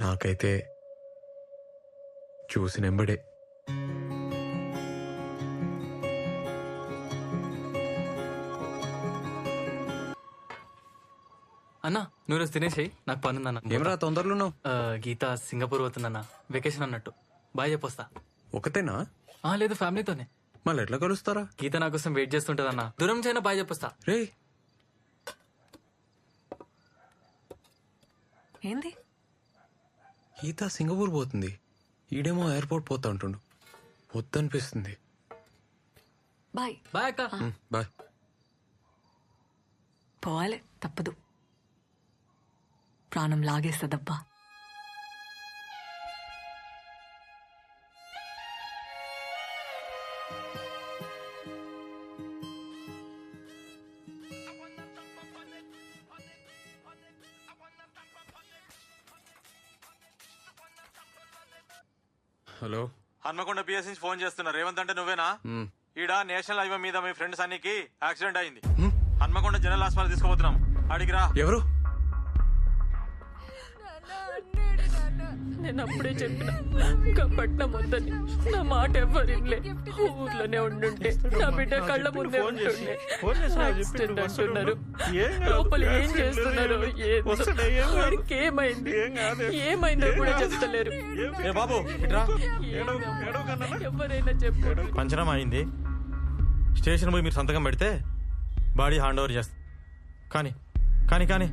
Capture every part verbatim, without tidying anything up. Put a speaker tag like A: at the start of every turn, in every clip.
A: నాకైతే చూసినెంబడే
B: అన్నా నువ్వు రోజు తినేసేయి, నాకు పని ఉందన్న.
A: ఏమరా తొందరలో
B: గీత సింగపూర్ పోతుందన్న, వెకేషన్ అన్నట్టు. బాయ్ చెప్పొస్తా.
A: ఒకతేనా?
B: ఆ లేదు, ఫ్యామిలీతోనే.
A: మళ్ళీ ఎట్లా కలుస్తారా?
B: గీత నా కోసం వెయిట్ చేస్తుంటదన్న. దూరం చైనా బాయ్ చెప్పొస్తా.
A: రే
C: ఏంది?
A: గీత సింగపూర్ పోతుంది, ఈడేమో ఎయిర్పోర్ట్ పోతా అంటుండు. వద్దనిపిస్తుంది.
C: బాయ్
B: బాయ్ అక్క.
A: బాయ్.
C: పోవాలి, తప్పదు. ప్రాణం లాగేస్తుందబ్బా.
A: హలో,
D: హన్మకొండ పిఎస్ నుంచి ఫోన్ చేస్తున్నా. రేవంత్ అంటే నువ్వేనా? ఈడ నేషనల్ హైవే మీద మీ ఫ్రెండ్ సన్నీకి యాక్సిడెంట్ అయింది. హన్మకొండ జనరల్ హాస్పిటల్ తీసుకుపోతున్నాం. అడిగిరా.
A: ఎవరు?
E: నేను అప్పుడే చెప్పిన పట్నం వద్దని. నా మాట ఎవరిలే. ఊర్లోనే ఉండుంటే నా బిడ్డ కళ్ళ ముందే ఉంటుండే. యాక్సిడెంట్ అంటున్నారు. లోపల ఏం చేస్తున్నారు? వాడికి ఏమైంది? ఏమైందో కూడా చెప్తలేరు.
D: బాబు ఇట్రా.
E: ఎవరైనా చెప్పారు.
D: పంచరం అయింది. స్టేషన్ పోయి మీరు సంతకం పెడితే బాడీ హ్యాండ్ ఓవర్ చేస్తా. కానీ కానీ కానీ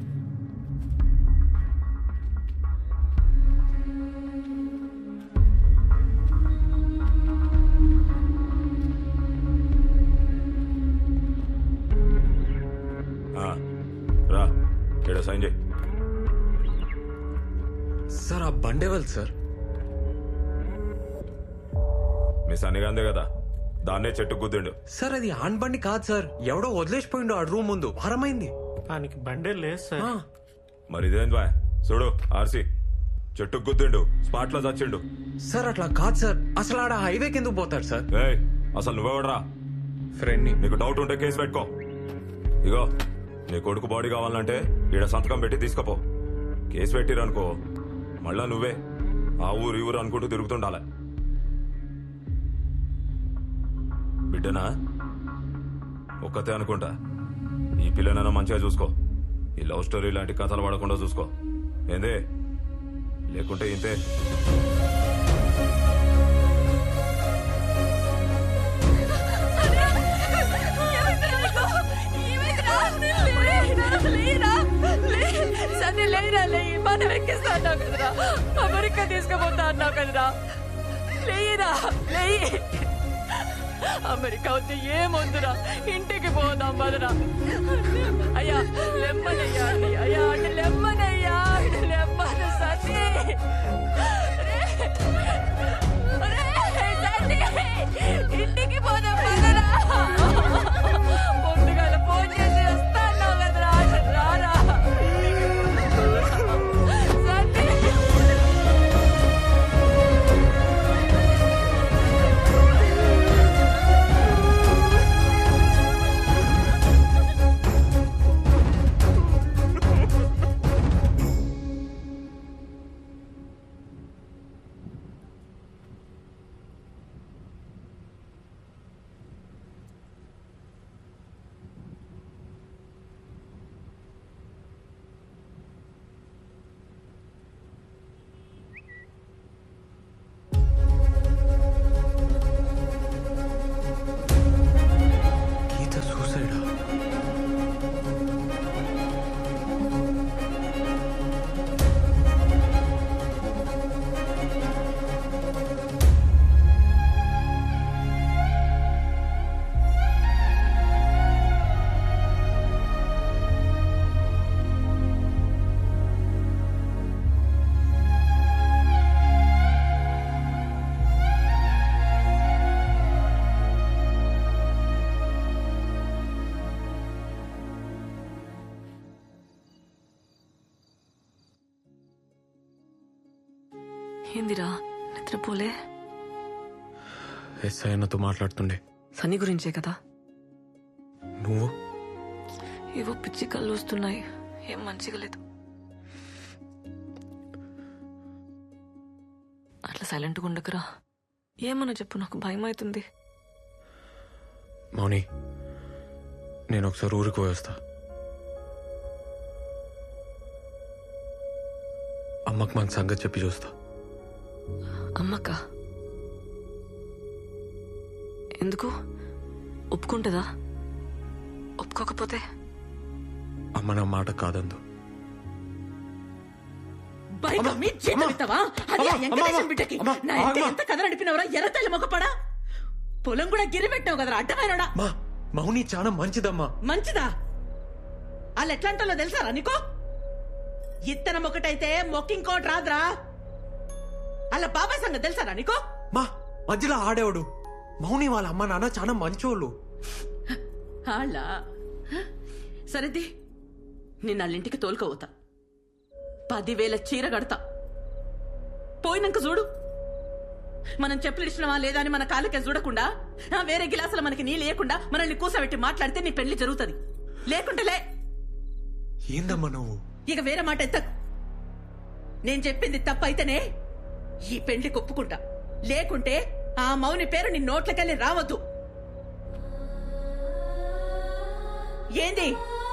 D: రా, ఇక్కడ సైన్ చేయి.
A: సార్ ఆ బండేవల్ సార్.
D: మీ సన్నిగాందే కదా, దాన్నే చెట్టు గుద్దిండు.
A: సార్ అది ఆన్ బండి కాదు సార్, ఎవడో వదిలేసిపోయిండు ఆ రూమ్ ముందు. వారమైంది.
F: దానికి బండే లేదు సార్.
D: మరి ఇదేంది బాయ్? చూడు ఆర్సీ, చెట్టు గుద్దిండు, స్పాట్ లో చచ్చిండు.
A: సార్ అట్లా కాదు సార్, అసలు ఆడ హైవే కిందకు పోతాడు సార్.
D: ఏయ్, అసలు నువ్వెవడరా?
A: ఫ్రెండ్ ని.
D: నీకు డౌట్ ఉంటే కేసు పెట్టుకో. ఇగో నీ కొడుకు బాడీ కావాలంటే ఈడ సంతకం పెట్టి తీసుకపో. కేసు పెట్టిరనుకో మళ్ళా నువ్వే ఆ ఊరు ఈ ఊరు అనుకుంటూ తిరుగుతుండాలి. బిడ్డనా ఒక్కతే అనుకుంటా. ఈ పిల్లనైనా మంచిగా చూసుకో. ఈ లవ్ స్టోరీ లాంటి కథలు పడకుండా చూసుకో. ఏందే? లేకుంటే ఇంతే.
E: సరే లేరా, లే. మనం ఎక్కిస్తా అన్నావు కదరా, అమెరికా తీసుకుపోతా అన్నావు కదరా. లేరా, లే. అమెరికా వద్దు, ఏమొద్దురా, ఇంటికి పోదాం బదరా. అయ్యా లెమ్మనయ్యా, అయ్యా అంటే లెమ్మనయ్యా, లెమ్మన సతీ. ఇంటికి పోదాం బదరా. పొద్దుగాల ఫోన్ చేసి వస్తా అన్నావు కదరా, రారా.
C: ఏందిరా నిద్రపోలే?
A: ఎస్ఐ అన్నతో మాట్లాడుతుండే.
C: సన్నీ గురించే కదా?
A: నువ్వు?
C: ఏవో పిచ్చి కళ్ళు వస్తున్నాయి, ఏం మంచిగా లేదు. సైలెంట్గా ఉండకురా. ఏమన్నా చెప్పు, నాకు భయం అవుతుంది.
A: మౌని, నేను ఒకసారి ఊరికి పోయేస్తా. అమ్మకు మన సంగతి చెప్పి చూస్తా.
C: అమ్మక్క ఎందుకు ఒప్పుకుంటుందా? ఒప్పుకోకపోతే?
A: అమ్మ నా మాట కాదందు.
E: బైక్ మీ చేతమిస్తావా? అది ఆ వెంకటేశం బిడ్డకి నా ఎంత ఎంత కథ నడిపినవరా ఎర్రతల్లి మొగపడా. పొలం కూడా గిరి పెట్టావు కదరా అడ్డమైనడా.
A: మా మౌని చాలా మంచిదమ్మా.
E: మంచిదా? వాళ్ళు ఎట్లాంటో తెలుసారా నీకో? ఇత్తనం ఒకటైతే మొక్కింకోటి రాదురా. అలా బాబాయ్ సంగతి తెలుసారా నీకో?
A: మా మధ్యలో ఆడేవాడు. మౌని వాళ్ళ అమ్మ నాన్న చాలా మంచోళ్ళు.
E: అలా సరేది, నేను వాళ్ళింటికి తోలుకపోతా. పదివేల చీర కడతా. పోయినాక చూడు, మనం చెప్పులు ఇచ్చినవా లేదా అని మన కాళ్ళకే చూడకుండా వేరే గిలాసులు మనకి నీ లేకుండా మనల్ని కూసబెట్టి మాట్లాడితే నీ పెళ్లి జరుగుతుంది. లేకుంటే లే.
A: ఏందమ్మా నువ్వు?
E: ఇక వేరే మాట ఎత్త. నేను చెప్పింది తప్పైతేనే ఈ పెళ్లి ఒప్పుకుంటా. లేకుంటే ఆ మౌని పేరు నీ నోట్లకెళ్ళి రావద్దు. ఏంది?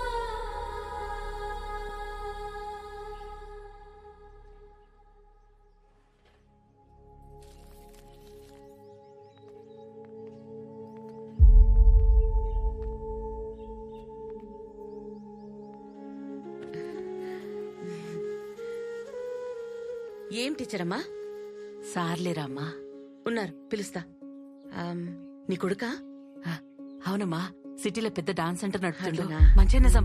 E: ఏం టీచర్ అమ్మా?
G: సార్లేరామ్మా.
E: ఉన్నారు, పిలుస్తా. ఆమ్, నీ కొడుకా?
G: ఆ, అవునమ్మా, సిటీలో పెద్ద డాన్స్ సెంటర్ నడుపుతుండు.
E: అట్లనా?
G: మంచి నిజం.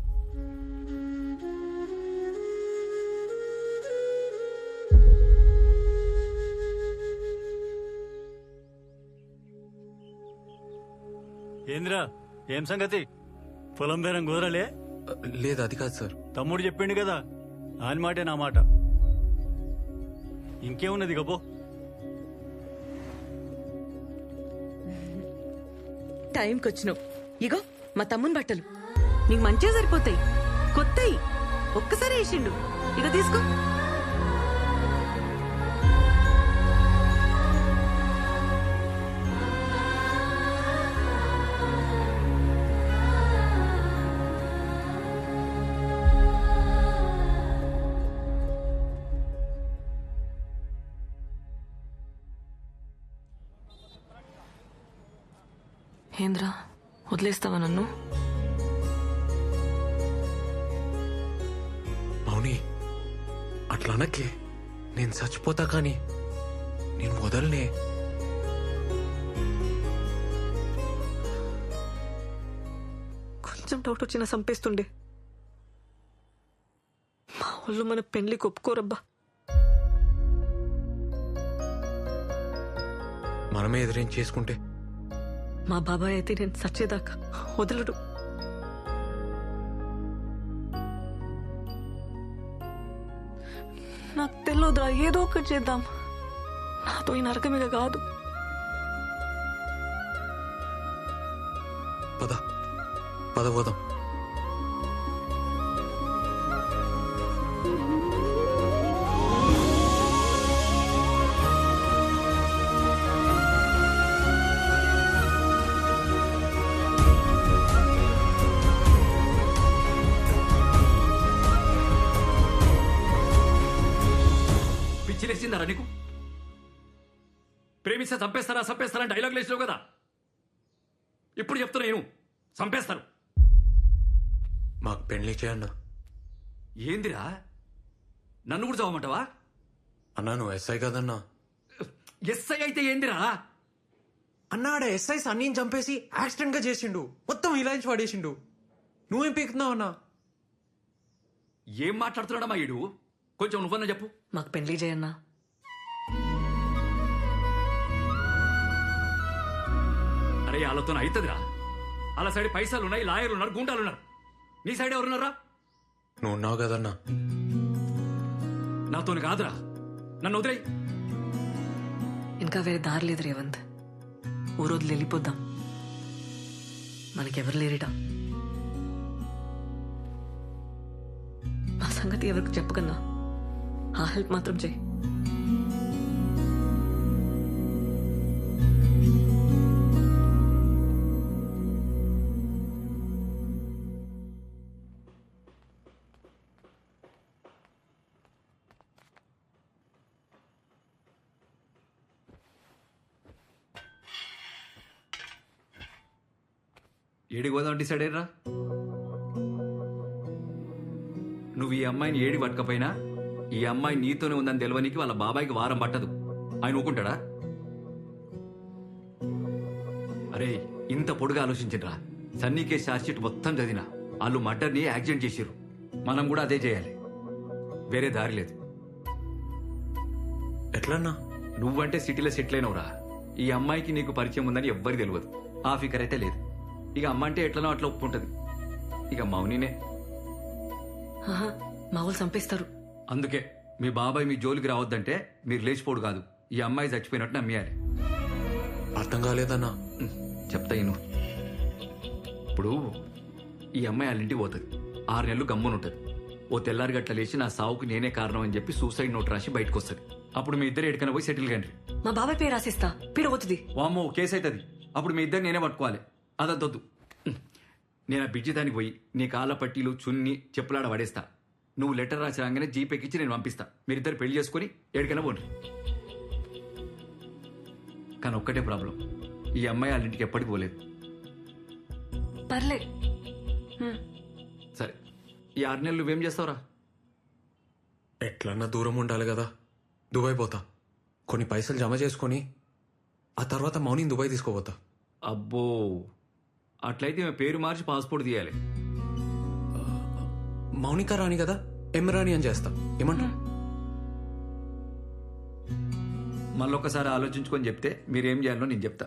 H: ఏంద్రా, ఏం సంగతి? పొలం బేరం కుదరలే?
A: లేదు, అది కాదు సార్.
H: తమ్ముడు చెప్పిండు కదా, ఆయన మాటే నా మాట. ఇంకేమున్నది గబో.
E: టైంకి వచ్చినావు. ఇగో మా తమ్ముని బట్టలు నీకు మంచిగా సరిపోతాయి. కొత్తయి ఒక్కసారి వేసిండు. ఇక తీసుకో.
C: ఏంద్రా, వదిలేస్తావా నన్ను?
A: మౌని, అట్లా అనకే. నేను చచ్చిపోతా కానీ నేను వదలనే. కొంచెం డౌట్ వచ్చినా చంపేస్తుండే. మా వాళ్ళు మన పెళ్లికి ఒప్పుకోరబ్బా. మనమే ఎదురేం చేసుకుంటే మా బాబాయ్ అయితే నేను చచ్చేదాకా వదలడు. నాకు తెలియదురా, ఏదో ఒకటి చేద్దాం. నాతో ఈ నరకమిగ కాదు. పద పద పోదాం.
I: పిచ్చిలేసిందారా నీకు? ప్రేమిస్తే చంపేస్తారా చంపేస్తారా డైలాగ్ లేచినావు కదా. ఇప్పుడు చెప్తున్నా నేను, చంపేస్తారు.
A: మాకు పెళ్లి చేయన్నా.
I: ఏందిరా, నన్ను కూడా చదవమంటావా?
A: అన్నా నువ్వు ఎస్ఐ కదన్నా.
I: ఎస్ఐ అయితే ఏందిరా?
A: అన్నాడ ఎస్ఐ సన్నీని చంపేసి యాక్సిడెంట్ గా చేసిండు. మొత్తం ఇలాంటి పడేసిండు. నువ్వేం పీకుతున్నావు అన్నా?
I: ఏం మాట్లాడుతున్నాడా మా ఈడు? కొంచెం నువ్వన్నా చెప్పు.
C: మాకు పెళ్లి చేయన్నా.
I: అరే వాళ్ళతో అవుతుందిరా. వాళ్ళ సైడ్ పైసలు ఉన్నాయి, లాయర్లు ఉన్నారు, గుండాలు ఉన్నారు. నీ సైడ్ ఎవరున్నారా?
A: నువ్వు ఉన్నావు కదన్నా.
I: నాతోని కాదురా, నన్ను వదిలేయ్.
C: ఇంకా వేరే దారి లేదు రేవంత్. ఓ రోజులు వెళ్ళిపోద్దాం. మనకెవరు లేరిట. మా సంగతి ఎవరికి చెప్పకన్నా ఆ హెల్ప్ మాత్రం చేయి.
I: ఏడికి పోదాం డిసైడ్ అయ్యరా? నువ్వు ఈ అమ్మాయిని ఏడి పట్టకపోయినా ఈ అమ్మాయి నీతోనే ఉందని తెలవనికి వాళ్ళ బాబాయికి వారం పట్టదు. ఆయన ఊకుంటాడా? అరే ఇంత పొడుగా ఆలోచించరా. సన్నీ కేసు ఛార్జ్షీట్ మొత్తం చదివినా వాళ్ళు మర్డర్ని యాక్సిడెంట్ చేసిర్రు. మనం కూడా అదే చేయాలి, వేరే దారి లేదు.
A: ఎట్లన్నా?
I: నువ్వంటే సిటీలో సెటిల్ అయినవురా. ఈ అమ్మాయికి నీకు పరిచయం ఉందని ఎవ్వరికి తెలియదు. ఆ ఫికర్ అయితే లేదు. ఇక అమ్మ అంటే ఎట్లనో అట్లా ఒప్పుకుంటది. ఇక మౌనినే.
C: ఆహా, మా వాళ్ళు చంపేస్తారు.
I: అందుకే మీ బాబాయ్ మీ జోలికి రావద్దంటే మీరు లేచిపోడు కాదు, ఈ అమ్మాయి చచ్చిపోయినట్టు నమ్మేయాలి.
A: అర్థం కాలేదన్నా.
I: ఉమ్, చెప్తా ఇను. ఇప్పుడు ఈ అమ్మాయి వాళ్ళ ఇంటికి పోతుంది. ఆరు నెలలు గమ్మునుంటది. ఓ తెల్లారి గట్ల లేచి నా సావుకు నేనే కారణం అని చెప్పి సూసైడ్ నోట్ రాసి బయటకు వస్తుంది. అప్పుడు మీ ఇద్దరు ఎక్కడికైనా పోయి సెటిల్ కండి.
C: మా బాబాయ్ పేరు రాసిస్తా, పీడ పోతుంది.
I: వామ్మో కేసు అవుతుంది. అప్పుడు మీ ఇద్దరు నేనే పట్టుకోవాలి. అదొద్దు. నేను ఆ బిడ్జి దానికి పోయి నీ కాళ్ళ పట్టీలు చున్ని చెప్పులాడ పడేస్తా. నువ్వు లెటర్ రాసి రాగానే జీపేకిచ్చి నేను పంపిస్తా. మీరిద్దరు పెళ్లి చేసుకుని ఎక్కడికైనా పోండి. కానీ ఒక్కటే ప్రాబ్లం, ఈ అమ్మాయి వాళ్ళ ఇంటికి ఎప్పటికి పోలేదు.
C: పర్లే.
I: సరే, ఈ ఆరు నెలలు నువ్వేం చేస్తావురా?
A: ఎట్లన్నా దూరం ఉండాలి కదా. దుబాయ్ పోతా, కొన్ని పైసలు జమ చేసుకొని ఆ తర్వాత మౌనిని దుబాయ్ తీసుకోపోతా.
I: అబ్బో, అట్లయితే మేము పేరు మార్చి పాస్పోర్ట్ తీయాలి.
A: మౌనిక రాణి కదా, ఎం రాణి అని చేస్తా. ఏమంటా?
I: మళ్ళొక్కసారి ఆలోచించుకొని చెప్తే మీరేం చేయాలో నేను చెప్తా.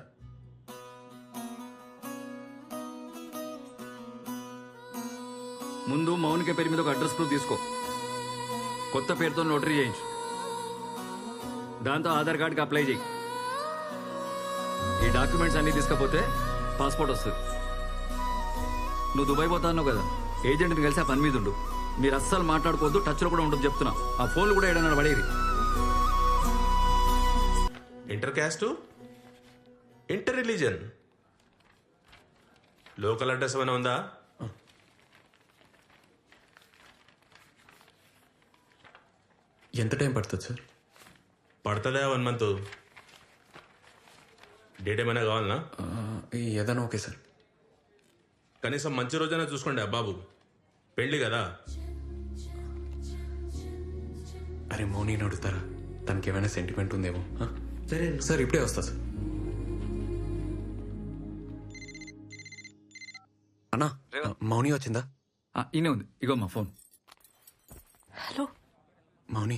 I: ముందు మౌనిక పేరు మీద ఒక అడ్రస్ ప్రూఫ్ తీసుకో. కొత్త పేరుతో నోటరీ చేయించు. దాంతో ఆధార్ కార్డుకి అప్లై చేయి. ఈ డాక్యుమెంట్స్ అన్ని తీసుకపోతే పాస్పోర్ట్ వస్తుంది. నువ్వు దుబాయ్ పోతా అన్నావు కదా, ఏజెంట్ని కలిసి ఆ పని మీద ఉండు. మీరు అస్సలు మాట్లాడుకోవద్దు, టచ్లో కూడా ఉండదు చెప్తున్నా. ఆ ఫోన్లు కూడా ఏడన్నా పడేది.
J: Inter caste, inter religion, local address ఏమైనా ఉందా?
A: ఎంత టైం పడుతుంది సార్?
J: పడుతుందా వన్ మంత్? డేట్ ఏమైనా కావాలనా?
A: ఏదైనా ఓకే సార్.
J: కనీసం మంచి రోజైనా చూసుకోండి బాబు, పెళ్ళి కదా.
A: అరే మౌనిని అడుగుతారా? తనకి ఏమైనా సెంటిమెంట్ ఉందేమో.
J: సరే
A: సార్ ఇప్పుడే వస్తా సార్. అన్నా, మౌని వచ్చిందా?
I: ఈయనే ఉంది, ఇగో మా ఫోన్.
C: హలో
A: మౌని,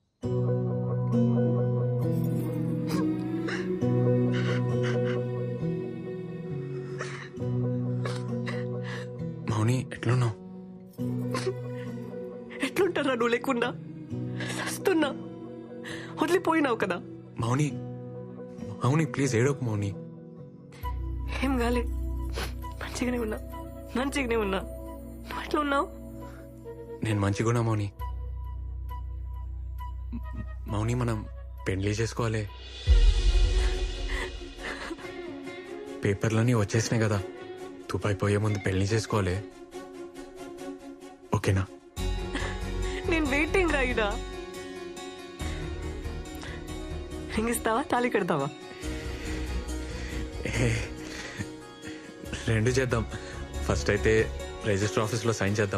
A: మౌని ఎట్లున్నావు?
C: ఎట్లుంటారా నువ్వు లేకుండా? వస్తున్నా, వదిలిపోయినావు కదా.
A: మౌని, మౌని ప్లీజ్ ఏడోకు మౌని.
C: ఏం కాలే, మంచిగానే ఉన్నా, మంచిగానే ఉన్నా. నువ్వు ఎట్లా ఉన్నావు?
A: నేను మంచిగున్నా మౌని. మౌని మనం పెళ్లి చేసుకోవాలి. పేపర్లన్నీ వచ్చేసినాయి కదా, దుబాయ్ పోయే ముందు పెళ్లి చేసుకోవాలి. ఓకేనా?
C: నేను వెయిటింగ్ రాయిడా. రింగ్ ఇస్తావా, తాళి కడతావా?
A: ఏ, రెండు చేద్దాం. ఫస్ట్ అయితే రిజిస్టర్ ఆఫీస్లో సైన్ చేద్దాం.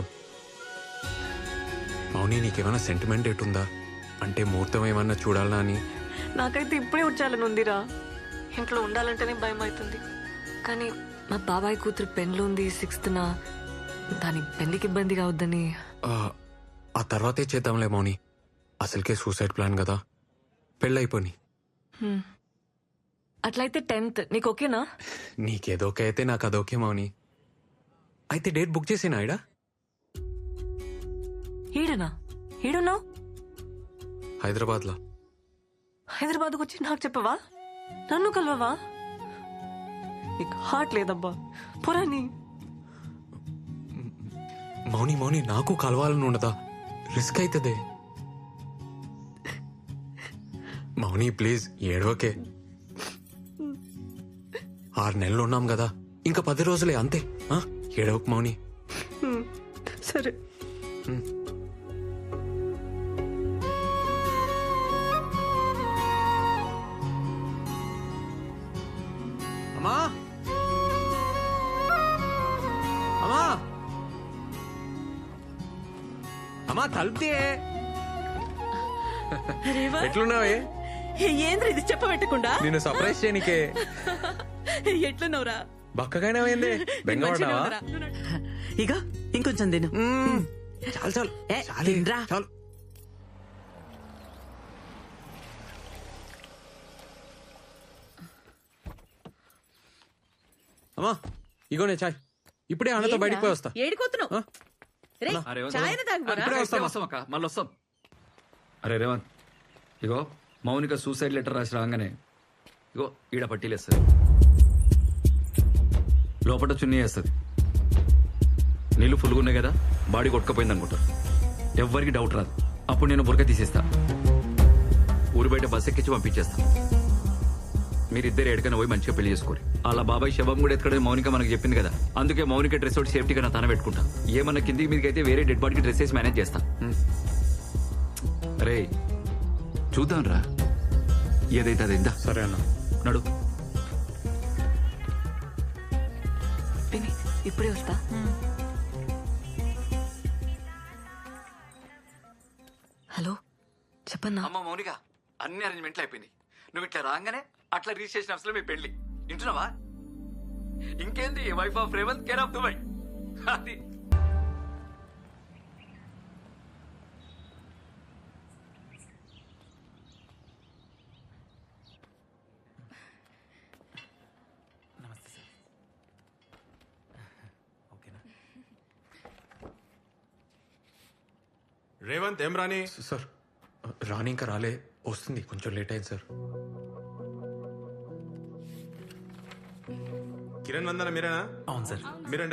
A: మౌని నీకేమైనా సెంటిమెంట్ ఎటుందా? అంటే ముహూర్తం ఏమన్నా చూడాలా అని.
C: నాకైతే ఇప్పుడే వచ్చాలని ఉందిరా. ఇంట్లో ఉండాలంటేనే భయం అవుతుంది. కానీ మా బాబాయ్ కూతురు పెన్లు ఉంది సిక్స్త్ నా, దాని పెళ్లికి ఇబ్బంది కావద్దని.
A: ఆ తర్వాతే చేద్దాంలే మౌని. అసలుకే సూసైడ్ ప్లాన్ కదా, పెళ్ళైపోని.
C: అట్లయితే టెన్త్ నీకు ఓకేనా?
A: నీకేదోకే అయితే నాకు అదోకే మౌని. అయితే డేట్ బుక్ చేసేనా ఇడా?
C: ఈడనా? ఈడున్నావు?
A: హైదరాబాద్లో.
C: హైదరాబాద్కు వచ్చి నాకు చెప్పవా? నన్ను కలవవా? నీకు హార్ట్ లేదబ్బా, పురాని.
A: మౌని మౌని నాకు కలవాలని ఉండదా? రిస్క్ అవుతుంది మౌని, ప్లీజ్ ఏడవకే. ఆరు నెలలు ఉన్నాం కదా, ఇంకా పది రోజులే అంతే. ఏడవకు మౌని.
C: సరే.
A: అమ్మా, అమ్మా తలుపుతే ఎట్లున్నావే?
G: ఏంద్ర ఇది చెప్పబెట్టకుండా
A: నిన్ను సర్ప్రైజ్ చేయనికే.
G: ఎట్లున్నావురా?
A: బక్కగానే అయింది, బెంగపడ్డావా?
G: ఇక ఇంకొంచెం తిను.
A: చాలు చాలు
G: ఏ,
A: చాలు,
G: తినరా.
A: చాలు. అమ్మా ఇగోనే చాయ్. ఇప్పుడే అన్నతో బయటికి పోయి వస్తా.
G: ఏడిపోతున్నావు?
A: ఆ?
G: రేయ్,
I: ఆ, రేవంత్
G: చాయ్ అయినా తాగుపోరా?
I: ఇప్పుడే వస్తాం వస్తాం అక్క మళ్ళీ వస్తాం. అరే రేవంత్, ఇగో మౌనిక సూసైడ్ లెటర్ రాసి రాగానే ఇగో ఈడ పట్టీలేస్తుంది, లోపల చున్నీ వేస్తుంది. నీళ్ళు ఫుల్గా ఉన్నాయి కదా, బాడీ కొట్టుకపోయింది అనుకుంటారు. ఎవ్వరికి డౌట్ రాదు. అప్పుడు నేను బురక తీసేస్తా, ఊరి బయట బస్ ఎక్కించి పంపించేస్తా. మీరిద్దరు ఎక్కడికైనా పోయి మంచిగా పెళ్లి చేసుకోరు. అలా బాబాయ్ శవం కూడా ఎక్కడ మౌనిక మనకు చెప్పింది కదా, అందుకే మౌనిక డ్రెస్ ఒకటి సేఫ్టీగా నా తన పెట్టుకుంటా. ఏమన్నా కిందికి మీదకి అయితే వేరే డెడ్ బాడీకి డ్రెస్ వేసి మేనేజ్ చేస్తా. రే చూద్దాం రా, ఏదైతే అది ఇందా.
A: సరే అన్న.
I: నడు.
C: పిన్ని ఇప్పుడే వస్తా. హలో చెప్పన్నా.
I: అమ్మ మౌనిక, అన్ని అరేంజ్మెంట్లు అయిపోయినాయి. నువ్వు ఇట్లా రాగానే అట్లా రిజిస్ట్రేషన్ ఆఫీస్ లో మీ పెళ్లి. వింటున్నావా? ఇంకేంది, wife of Revanth, care of Dubai. అది
B: నమస్తే సార్. ఓకేనా?
J: రేవంత్ ఏం రాని?
A: సార్ రాని ఇంకా రాలే, వస్తుంది, కొంచెం లేట్ అయింది సార్.
J: కిరణ్ వందన మీరేనా?
B: అవును సార్.
J: మీరండి.